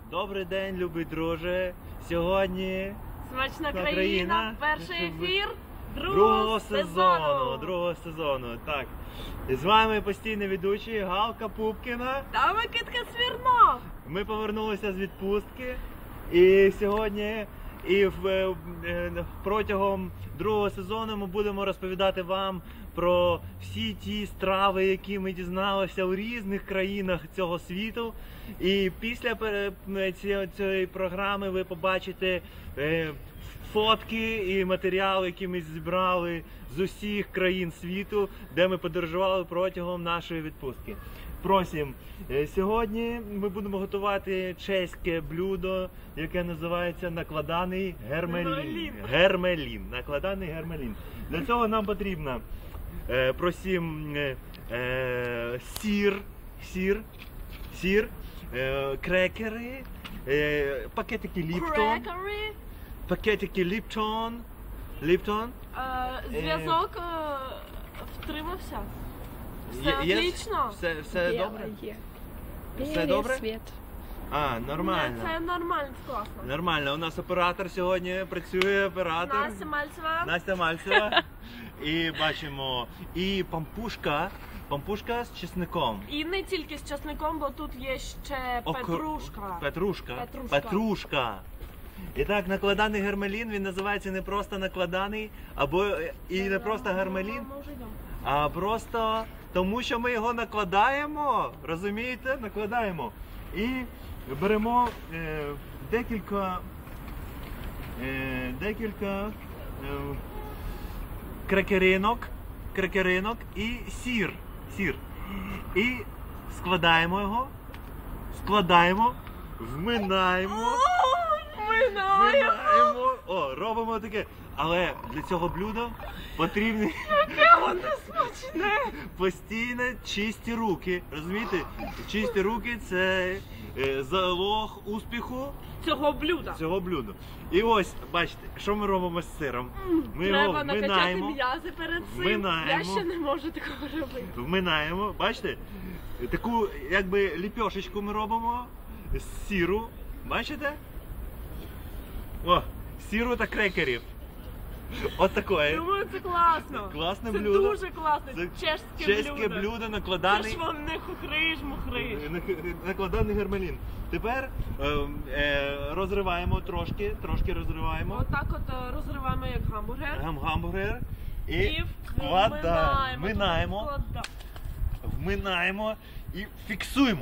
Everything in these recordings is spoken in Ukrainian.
Добрий день, любий друже. Сьогодні Смачна країна, перший ефір другого сезону. Так. І з вами постійний ведучий Галка Пупкіна та Микитка Смірнов. Ми повернулися з відпустки і сьогодні протягом другого сезону ми будемо розповідати вам про всі ті страви, які ми дізналися у різних країнах цього світу. І після цієї програми ви побачите фотки і матеріали, які ми зібрали з усіх країн світу, де ми подорожували протягом нашої відпустки. Просім, сьогодні ми будемо готувати чеське блюдо, яке називається накладаний гермелін. Накладаний гермелін. Для цього нам потрібно, просім, сир, крекери, пакетики Ліптон. Зв'язок втримався. Все отлично. Все добре? Все добре? Світ. А, нормально. Це нормально, класно. Нормально. У нас оператор сьогодні працює, Настя Мальцева. І бачимо, і пампушка з чесником. І не тільки з чесником, бо тут є ще Петрушка. І так, накладаний гермелін, він називається не просто накладаний, і не просто гермелін, а просто тому, що ми його накладаємо, розумієте? Накладаємо. І беремо декілька крекеринок і сир. І складаємо його, вминаємо. Робимо таке. Але для цього блюда потрібні постійно чисті руки. Розумієте? Чисті руки – це залог успіху цього блюда. І ось, бачите, що ми робимо з сиром? Ми Треба накачати м'язи перед цим. Я ще не можу такого робити. Вминаємо, бачите? Таку, якби, ліпьошечку ми робимо з сиру. Бачите? О, сиру та крекерів. От таке. Думаю, це класно. Класне це блюдо. Це дуже класно. Чеське блюдо накладаний. Це ж вам не хухриш. Накладаний гермелін. Тепер розриваємо трошки розриваємо. Отак от розриваємо як гамбургер. Гамбургер. І вминаємо і фіксуємо.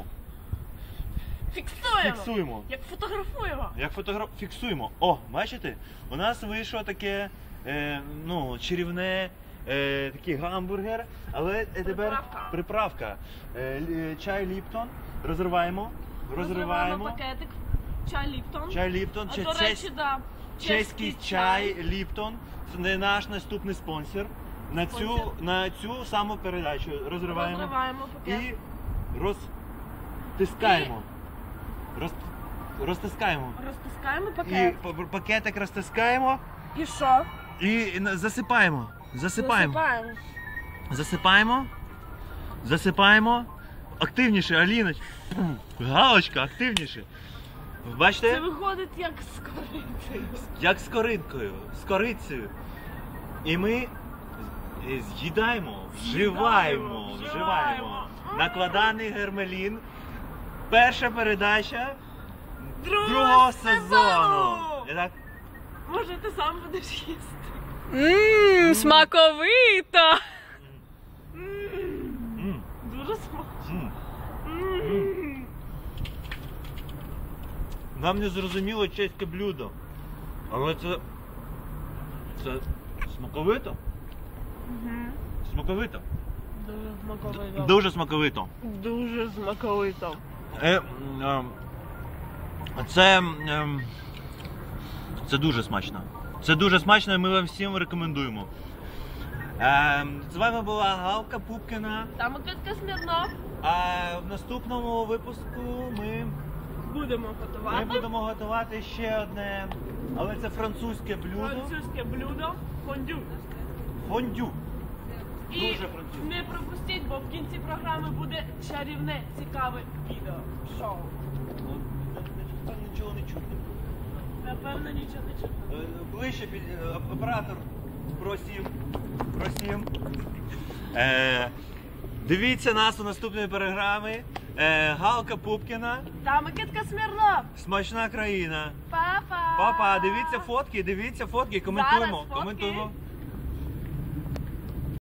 Як фотографуємо. Фіксуємо. О, бачите? У нас вийшло таке, чарівне, такий гамбургер, але тепер приправка. Чай Ліптон. Розриваємо. Пакетик. Чай Ліптон. До речі, да. Чеський чай Ліптон. Це наш наступний спонсор. На цю саму передачу розриваємо пакет. І розтискаємо. Розтискаємо пакет. І пакетик розтискаємо. І що? І засипаємо. Активніше, Аліна. Галочка, активніше. Бачите? Це виходить як з корицею. З корицею. І ми з'їдаємо, вживаємо. Накладаний гермелін. Перша передача другого сезону. Може, ти сам будеш їсти? Смаковито! Дуже смачно. Нам не зрозуміло чеське блюдо, але це смаковито. Смаковито. Дуже смаковито. Це дуже смачно. Це дуже смачно і ми вам всім рекомендуємо. З вами була Галка Пупкіна. Та Микитка Смірнов. А в наступному випуску ми будемо готувати ще одне, але це французьке блюдо. Фондю. І не пропустіть, бо в кінці програми буде чарівне, цікаве відео. Шоу. Ближче оператор. Просім. Дивіться нас у наступної програми. Галка Пупкіна. Та Микитка Смірнов. Смачна країна. Па-па. Папа, дивіться фотки, коментуємо. Зараз фотки.